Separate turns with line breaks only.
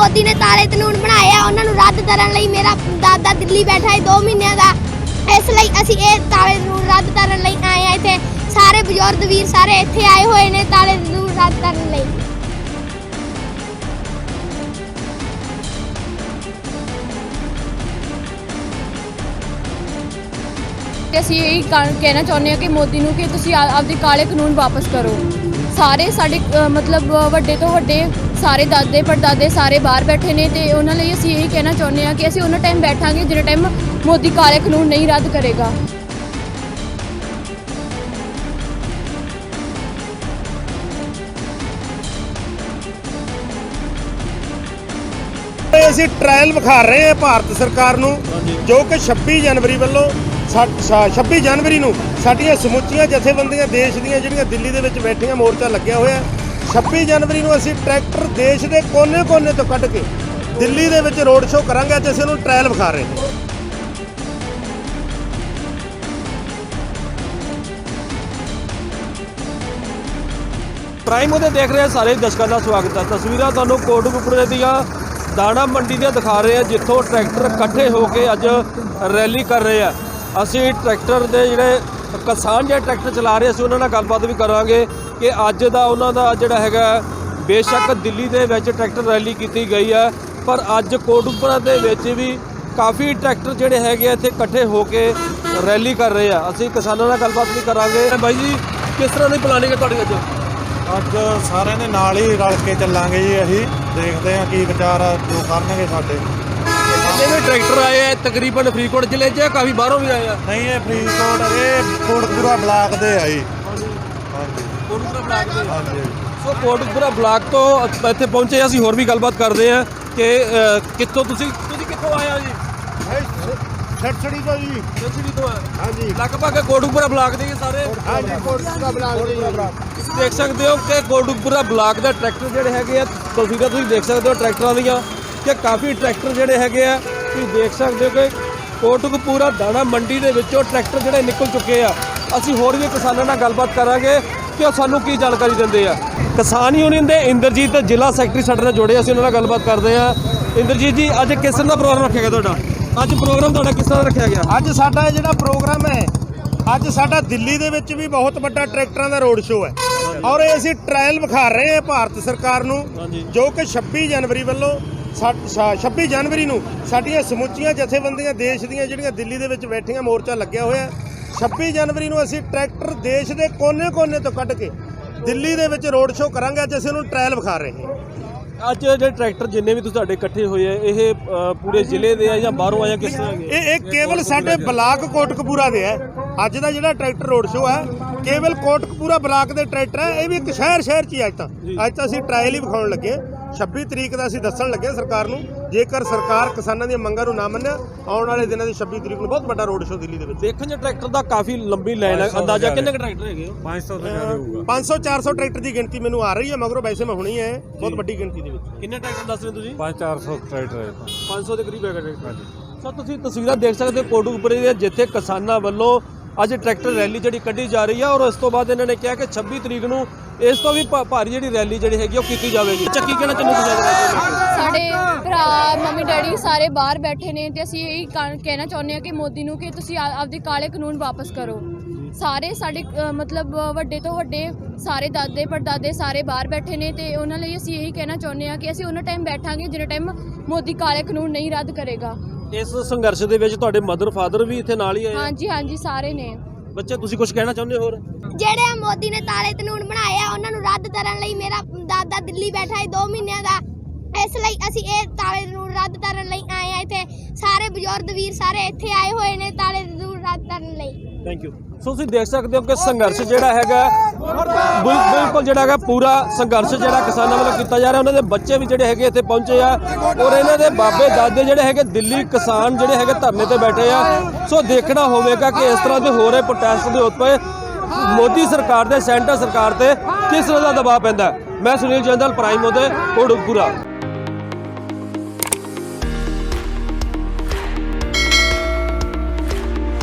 ਮੋਦੀ ਨੇ ਤਾਲੇ ਕਾਨੂੰਨ ਬਣਾਏ ਆ ਉਹਨਾਂ ਨੂੰ ਰੱਦ ਕਰਨ ਲਈ ਮੇਰਾ ਦਾਦਾ ਦਿੱਲੀ ਬੈਠਾ ਹੈ 2 ਮਹੀਨਿਆਂ ਦਾ। ਇਸ ਲਈ ਅਸੀਂ ਇਹ ਤਾਲੇ ਕਾਨੂੰਨ ਰੱਦ ਕਰਨ ਲਈ ਆਏ ਆ। ਇੱਥੇ ਸਾਰੇ ਬਜ਼ੁਰਗ ਵੀਰ ਸਾਰੇ ਇੱਥੇ ਆਏ ਹੋਏ ਨੇ ਤਾਲੇ ਕਾਨੂੰਨ ਰੱਦ ਕਰਨ ਲਈ।
ਅਸੀਂ ਇਹ ਕਹਿਣਾ ਚਾਹੁੰਦੇ ਹਾਂ ਕਿ ਮੋਦੀ ਨੂੰ ਕਿ ਤੁਸੀਂ ਆਪਦੇ ਕਾਲੇ ਕਾਨੂੰਨ ਵਾਪਸ ਕਰੋ। ਸਾਰੇ ਸਾਡੇ ਮਤਲਬ ਵੱਡੇ ਤੋਂ ਵੱਡੇ ਸਾਰੇ ਦਾਦੇ ਪੜਦਾਦੇ ਸਾਰੇ ਬਾਹਰ ਬੈਠੇ ਨੇ ਤੇ ਉਹਨਾਂ ਲਈ ਅਸੀਂ ਇਹ ਕਹਿਣਾ ਚਾਹੁੰਦੇ ਹਾਂ ਕਿ ਅਸੀਂ ਉਹਨਾਂ ਟਾਈਮ ਬੈਠਾਂਗੇ ਜਿਹੜੇ ਟਾਈਮ ਮੋਦੀ ਕਾਲੇ ਕਾਨੂੰਨ ਨਹੀਂ ਰੱਦ ਕਰੇਗਾ।
ਅਸੀਂ ਟ੍ਰਾਇਲ ਵਿਖਾ ਰਹੇ ਹਾਂ ਭਾਰਤ ਸਰਕਾਰ ਨੂੰ ਜੋ ਕਿ 26 ਜਨਵਰੀ ਵੱਲੋਂ 26 ਜਨਵਰੀ ਨੂੰ ਸਾਡੀਆਂ ਸਮੁੱਚੀਆਂ ਜਥੇਬੰਦੀਆਂ ਦੇਸ਼ ਦੀਆਂ ਜਿਹੜੀਆਂ ਦਿੱਲੀ ਦੇ ਵਿੱਚ ਬੈਠੀਆਂ ਮੋਰਚਾ ਲੱਗਿਆ ਹੋਇਆ 26 ਜਨਵਰੀ ਨੂੰ ਅਸੀਂ ਟਰੈਕਟਰ ਦੇਸ਼ ਦੇ ਕੋਨੇ-ਕੋਨੇ ਤੋਂ ਕੱਢ ਕੇ ਦਿੱਲੀ ਦੇ ਵਿੱਚ ਰੋਡ ਸ਼ੋਅ ਕਰਾਂਗੇ ਤੇ ਅਸੀਂ ਉਹਨੂੰ ਟ੍ਰਾਇਲ ਵਿਖਾ ਰਹੇ ਹਾਂ।
ਪ੍ਰਾਈਮ ਉਹਦੇ ਦੇਖ ਰਹੇ ਸਾਰੇ ਦਰਸ਼ਕਾਂ ਦਾ ਸਵਾਗਤ ਹੈ। ਤਸਵੀਰਾਂ ਤੁਹਾਨੂੰ ਕੋਟਕਪੂਰੇ ਦੀਆਂ ਦਾਣਾ ਮੰਡੀ ਦੀਆਂ ਦਿਖਾ ਰਹੇ ਹਾਂ ਜਿੱਥੋਂ ਟਰੈਕਟਰ ਇਕੱਠੇ ਹੋ ਕੇ ਅੱਜ ਰੈਲੀ ਕਰ ਰਹੇ ਆ। ਅਸੀਂ ਟਰੈਕਟਰ ਦੇ ਜਿਹੜੇ ਕਿਸਾਨ ਜਿਹੜੇ ਟਰੈਕਟਰ ਚਲਾ ਰਹੇ ਅਸੀਂ ਉਹਨਾਂ ਨਾਲ ਗੱਲਬਾਤ ਵੀ ਕਰਾਂਗੇ ਕਿ ਅੱਜ ਦਾ ਉਹਨਾਂ ਦਾ ਜਿਹੜਾ ਹੈਗਾ ਬੇਸ਼ੱਕ ਦਿੱਲੀ ਦੇ ਵਿੱਚ ਟਰੈਕਟਰ ਰੈਲੀ ਕੀਤੀ ਗਈ ਹੈ ਪਰ ਅੱਜ ਕੋਟਕਪੂਰਾ ਦੇ ਵਿੱਚ ਵੀ ਕਾਫੀ ਟਰੈਕਟਰ ਜਿਹੜੇ ਹੈਗੇ ਇੱਥੇ ਇਕੱਠੇ ਹੋ ਕੇ ਰੈਲੀ ਕਰ ਰਹੇ ਆ। ਅਸੀਂ ਕਿਸਾਨਾਂ ਨਾਲ ਗੱਲਬਾਤ ਵੀ ਕਰਾਂਗੇ। ਬਾਈ ਜੀ ਕਿਸ ਤਰ੍ਹਾਂ ਦੀ ਪਲਾਨਿੰਗ ਹੈ ਤੁਹਾਡੀ
ਅੱਜ ਸਾਰਿਆਂ ਦੇ ਨਾਲ ਹੀ ਰਲ ਕੇ ਚੱਲਾਂਗੇ ਜੀ। ਅਸੀਂ ਦੇਖਦੇ ਹਾਂ ਕੀ ਵਿਚਾਰ ਜੋ ਕਰਨਗੇ ਸਾਡੇ।
ਜਿੰਨੇ ਵੀ ਟਰੈਕਟਰ ਆਏ ਆ ਤਕਰੀਬਨ ਫਰੀਦਕੋਟ ਜ਼ਿਲ੍ਹੇ 'ਚ ਕਾਫੀ ਬਾਹਰੋਂ ਵੀ ਆਏ ਆ।
ਨਹੀਂ ਇਹ ਫਰੀਦਕੋਟ ਇਹ ਕੋਟਕਪੂਰਾ ਬਲਾਕ ਦੇ ਆ ਜੀ। ਹਾਂਜੀ
ਕੋਟਕਪੂਰਾ ਬਲਾਕ ਦੇ।
ਹਾਂਜੀ
ਸੋ ਕੋਟਕਪੂਰਾ ਬਲਾਕ ਤੋਂ ਇੱਥੇ ਪਹੁੰਚੇ ਅਸੀਂ ਹੋਰ ਵੀ ਗੱਲਬਾਤ ਕਰਦੇ ਆ ਕਿ ਕਿੱਥੋਂ ਤੁਸੀਂ ਕਿੱਥੋਂ ਆਏ ਆ ਜੀ?
ਛੜਛੜੀ ਤੋਂ ਜੀ।
ਛੜਛੜੀ ਤੋਂ ਆ।
ਹਾਂਜੀ
ਲਗਭਗ ਕੋਟਕਪੂਰਾ ਬਲਾਕ ਦੇ ਸਾਰੇ।
ਹਾਂਜੀ ਕੋਟਕਪੂਰਾ ਬਲਾਕ ਦੇ
ਤੁਸੀਂ ਦੇਖ ਸਕਦੇ ਹੋ ਕਿ ਕੋਟਕਪੂਰਾ ਬਲਾਕ ਦਾ ਟਰੈਕਟਰ ਜਿਹੜੇ ਹੈਗੇ ਆ ਤਸਵੀਰਾਂ ਤੁਸੀਂ ਦੇਖ ਸਕਦੇ ਹੋ ਟਰੈਕਟਰਾਂ ਦੀਆਂ ਕਿ ਕਾਫੀ ਟਰੈਕਟਰ ਜਿਹੜੇ ਹੈਗੇ ਆ ਤੁਸੀਂ ਦੇਖ ਸਕਦੇ ਹੋ ਕਿ ਕੋਟਕਪੂਰਾ ਦਾਣਾ ਮੰਡੀ ਦੇ ਵਿੱਚੋਂ ਟਰੈਕਟਰ ਜਿਹੜੇ ਨਿਕਲ ਚੁੱਕੇ ਆ। ਅਸੀਂ ਹੋਰ ਵੀ ਕਿਸਾਨਾਂ ਨਾਲ ਗੱਲਬਾਤ ਕਰਾਂਗੇ ਕਿ ਉਹ ਸਾਨੂੰ ਕੀ ਜਾਣਕਾਰੀ ਦਿੰਦੇ ਆ। ਕਿਸਾਨ ਯੂਨੀਅਨ ਦੇ ਇੰਦਰਜੀਤ ਜ਼ਿਲ੍ਹਾ ਸੈਕਟਰੀ ਸਾਡੇ ਨਾਲ ਜੁੜੇ ਅਸੀਂ ਉਹਨਾਂ ਨਾਲ ਗੱਲਬਾਤ ਕਰਦੇ ਆ। ਇੰਦਰਜੀਤ ਜੀ ਅੱਜ ਕਿਸ ਤਰ੍ਹਾਂ ਦਾ ਪ੍ਰੋਗਰਾਮ ਰੱਖਿਆ ਗਿਆ ਤੁਹਾਡਾ? ਅੱਜ ਪ੍ਰੋਗਰਾਮ ਤੁਹਾਡਾ ਕਿਸ ਤਰ੍ਹਾਂ ਰੱਖਿਆ ਗਿਆ?
ਅੱਜ ਸਾਡਾ ਜਿਹੜਾ ਪ੍ਰੋਗਰਾਮ ਹੈ ਅੱਜ ਸਾਡਾ ਦਿੱਲੀ ਦੇ ਵਿੱਚ ਵੀ ਬਹੁਤ ਵੱਡਾ ਟਰੈਕਟਰਾਂ ਦਾ ਰੋਡ ਸ਼ੋਅ ਹੈ ਔਰ ਇਹ ਅਸੀਂ ਟ੍ਰਾਇਲ ਵਿਖਾ ਰਹੇ ਹਾਂ ਭਾਰਤ ਸਰਕਾਰ ਨੂੰ ਜੋ ਕਿ 26 ਜਨਵਰੀ ਵੱਲੋਂ 26 ਜਨਵਰੀ ਨੂੰ ਸਾਡੀਆਂ ਸਮੁੱਚੀਆਂ ਜਥੇਬੰਦੀਆਂ ਦੇਸ਼ ਦੀਆਂ ਜਿਹੜੀਆਂ ਦਿੱਲੀ ਦੇ ਵਿੱਚ ਬੈਠੀਆਂ ਮੋਰਚਾ ਲੱਗਿਆ ਹੋਇਆ 26 ਜਨਵਰੀ ਨੂੰ ਅਸੀਂ ਟਰੈਕਟਰ ਦੇਸ਼ ਦੇ ਕੋਨੇ-ਕੋਨੇ ਤੋਂ ਕੱਢ ਕੇ ਦਿੱਲੀ ਦੇ ਵਿੱਚ ਰੋਡ ਸ਼ੋਅ ਕਰਾਂਗੇ। ਅੱਜ ਅਸੀਂ ਉਹਨੂੰ ਟ੍ਰਾਇਲ ਵਿਖਾ ਰਹੇ ਹਾਂ।
ਅੱਜ ਜਿਹੜੇ ਟਰੈਕਟਰ ਜਿੰਨੇ ਵੀ ਤੁਹਾਡੇ ਇਕੱਠੇ ਹੋਏ ਆ ਇਹ ਪੂਰੇ ਜ਼ਿਲ੍ਹੇ ਦੇ ਆ ਜਾਂ ਬਾਹਰੋਂ ਆਏ ਕਿਸ ਤਰ੍ਹਾਂ?
ਇਹ ਕੇਵਲ ਸਾਡੇ ਬਲਾਕ ਕੋਟਕਪੂਰਾ ਦੇ ਹੈ। ਅੱਜ ਦਾ ਜਿਹੜਾ ਟਰੈਕਟਰ ਰੋਡ ਸ਼ੋਅ ਹੈ ਕੇਵਲ ਕੋਟਕਪੂਰਾ ਬਲਾਕ ਦੇ ਟਰੈਕਟਰ ਹੈ। ਇਹ ਵੀ ਇੱਕ ਸ਼ਹਿਰ 'ਚ ਹੀ ਅੱਜ ਤਾਂ ਅਸੀਂ ਟ੍ਰਾਇਲ ਹੀ ਵਿਖਾਉਣ ਲੱਗੇ। 26 ਤਰੀਕ ਦਾ ਅਸੀਂ ਦੱਸਣ ਲੱਗੇ ਸਰਕਾਰ ਨੂੰ ਜੇਕਰ ਸਰਕਾਰ ਕਿਸਾਨਾਂ ਦੀਆਂ ਮੰਗਾਂ ਨੂੰ ਨਾ ਮੰਨਿਆ ਆਉਣ ਵਾਲੇ ਦਿਨਾਂ ਦੀ 26 ਤਰੀਕ ਨੂੰ ਬਹੁਤ ਵੱਡਾ ਰੋਡ ਸ਼ੋਅ ਦਿੱਲੀ ਦੇ ਵਿੱਚ।
ਦੇਖਣ 'ਚ ਟਰੈਕਟਰ ਦਾ ਕਾਫੀ ਲੰਬੀ ਲਾਈਨ ਹੈ। ਅੰਦਾਜ਼ਾ ਕਿੰਨੇ ਟਰੈਕਟਰ ਹੈਗੇ?
500 ਤੋਂ ਜ਼ਿਆਦਾ ਹੋਊਗਾ।
500-400 ਟਰੈਕਟਰ ਦੀ ਗਿਣਤੀ ਮੈਨੂੰ ਆ ਰਹੀ ਹੈ ਮਗਰੋਂ ਵੈਸੇ ਮੈਂ ਹੁਣੀ ਹੈ ਬਹੁਤ ਵੱਡੀ ਗਿਣਤੀ ਦੇ ਵਿੱਚ।
ਕਿੰਨੇ ਟਰੈਕਟਰ ਦੱਸ ਰਹੇ ਤੁਸੀਂ?
500-400 ਟਰੈਕਟਰ ਹੈ।
500 ਦੇ ਕਰੀਬ ਹੈਗਾ ਟਰੈਕਟਰ। ਸੋ ਤੁਸੀਂ ਤਸਵੀਰਾਂ ਦੇਖ ਸਕਦੇ ਹੋ ਕੋਟਕਪੂਰੇ ਦੇ ਜਿੱਥੇ ਕਿਸਾਨਾਂ ਵੱਲੋਂ ਅੱਜ ਟਰੈਕਟਰ ਰੈਲੀ ਜਿਹੜੀ ਕੱਢੀ ਜਾ ਰਹੀ ਹੈ ਔਰ ਉਸ ਤੋਂ ਬਾਅਦ ਇਹਨਾਂ ਨੇ ਕਿਹਾ ਕਿ 26 ਤਰੀਕ ਨੂੰ ਇਸ ਤੋਂ ਵੀ ਭਾਰੀ ਜਿਹੜੀ ਰੈਲੀ ਜਿਹੜੀ ਹੈਗੀ ਉਹ ਕੀਤੀ ਜਾਵੇਗੀ। ਚੱਕੀ ਕਹਿਣਾ ਚਾਹੁੰਦੇ
ਸਾਡੇ ਭਰਾ ਮੰਮੀ ਡੈਡੀ ਸਾਰੇ ਬਾਹਰ ਬੈਠੇ ਨੇ ਤੇ ਅਸੀਂ ਇਹ ਕਹਿਣਾ ਚਾਹੁੰਦੇ ਹਾਂ ਕਿ ਮੋਦੀ ਨੂੰ ਕਿ ਤੁਸੀਂ ਆਪਦੇ ਕਾਲੇ ਕਾਨੂੰਨ ਵਾਪਸ ਕਰੋ। ਸਾਰੇ ਸਾਡੇ ਮਤਲਬ ਵੱਡੇ ਤੋਂ ਵੱਡੇ ਸਾਰੇ ਦਾਦੇ ਪੜਦਾਦੇ ਸਾਰੇ ਬਾਹਰ ਬੈਠੇ ਨੇ ਤੇ ਉਹਨਾਂ ਲਈ ਅਸੀਂ ਇਹ ਕਹਿਣਾ ਚਾਹੁੰਦੇ ਹਾਂ ਕਿ ਅਸੀਂ ਉਹਨਾਂ ਟਾਈਮ ਬੈਠਾਂਗੇ ਜਿਹੜੇ ਟਾਈਮ ਮੋਦੀ ਕਾਲੇ ਕਾਨੂੰਨ ਨਹੀਂ ਰੱਦ ਕਰੇਗਾ।
ਇਸ ਸੰਘਰਸ਼ ਦੇ ਵਿੱਚ ਤੁਹਾਡੇ ਮਦਰ ਫਾਦਰ ਵੀ ਇੱਥੇ ਨਾਲ ਹੀ ਆਏ?
ਹਾਂਜੀ ਸਾਰੇ ਨੇ।
ਬੱਚੇ ਤੁਸੀਂ ਕੁਝ ਕਹਿਣਾ ਚਾਹੁੰਦੇ ਹੋਰ?
ਜਿਹੜੇ ਮੋਦੀ ਨੇ ਤਾਲੇ ਕਾਨੂੰਨ ਬਣਾਏ ਆ ਉਹਨਾਂ ਨੂੰ ਰੱਦ ਕਰਨ ਲਈ ਮੇਰਾ ਦਾਦਾ ਦਿੱਲੀ ਬੈਠਾ ਹੈ 2 ਮਹੀਨਿਆਂ ਦਾ। ਇਸ ਲਈ ਅਸੀਂ ਇਹ ਤਾਲੇ ਕਾਨੂੰਨ ਰੱਦ ਕਰਨ ਲਈ ਆਏ ਆ। ਇੱਥੇ ਸਾਰੇ ਬਜ਼ੁਰਗ ਵੀਰ ਸਾਰੇ ਇੱਥੇ ਆਏ ਹੋਏ ਨੇ ਤਾਲੇ ਕਾਨੂੰਨ ਰੱਦ ਕਰਨ ਲਈ।
Thank you. ਸੋ ਤੁਸੀਂ ਦੇਖ ਸਕਦੇ ਹੋ ਕਿ ਸੰਘਰਸ਼ ਜਿਹੜਾ ਹੈਗਾ ਬਿਲਕੁਲ ਜਿਹੜਾ ਹੈਗਾ ਪੂਰਾ ਸੰਘਰਸ਼ ਜਿਹੜਾ ਕਿਸਾਨਾਂ ਵੱਲੋਂ ਕੀਤਾ ਜਾ ਰਿਹਾ। ਉਹਨਾਂ ਦੇ ਬੱਚੇ ਵੀ ਜਿਹੜੇ ਹੈਗੇ ਇੱਥੇ ਪਹੁੰਚੇ ਆ ਔਰ ਇਹਨਾਂ ਦੇ ਬਾਬੇ ਦਾਦੇ ਜਿਹੜੇ ਹੈਗੇ ਦਿੱਲੀ ਕਿਸਾਨ ਜਿਹੜੇ ਹੈਗੇ ਧਰਨੇ ਤੇ ਬੈਠੇ ਆ। ਸੋ ਦੇਖਣਾ ਹੋਵੇਗਾ ਕਿ ਇਸ ਤਰ੍ਹਾਂ ਦੇ ਹੋ ਰਹੇ ਪ੍ਰੋਟੈਸਟ ਦੇ ਉੱਤੇ ਮੋਦੀ ਸਰਕਾਰ ਦੇ ਸੈਂਟਰ ਸਰਕਾਰ ਤੇ ਕਿਸ ਤਰ੍ਹਾਂ ਦਾ ਦਬਾਅ ਪੈਂਦਾ। ਮੈਂ ਸੁਨੀਲ ਜੰਦਲ ਪ੍ਰਾਈਮ ਉਹਦੇ ਕੋਟਕਪੂਰਾ।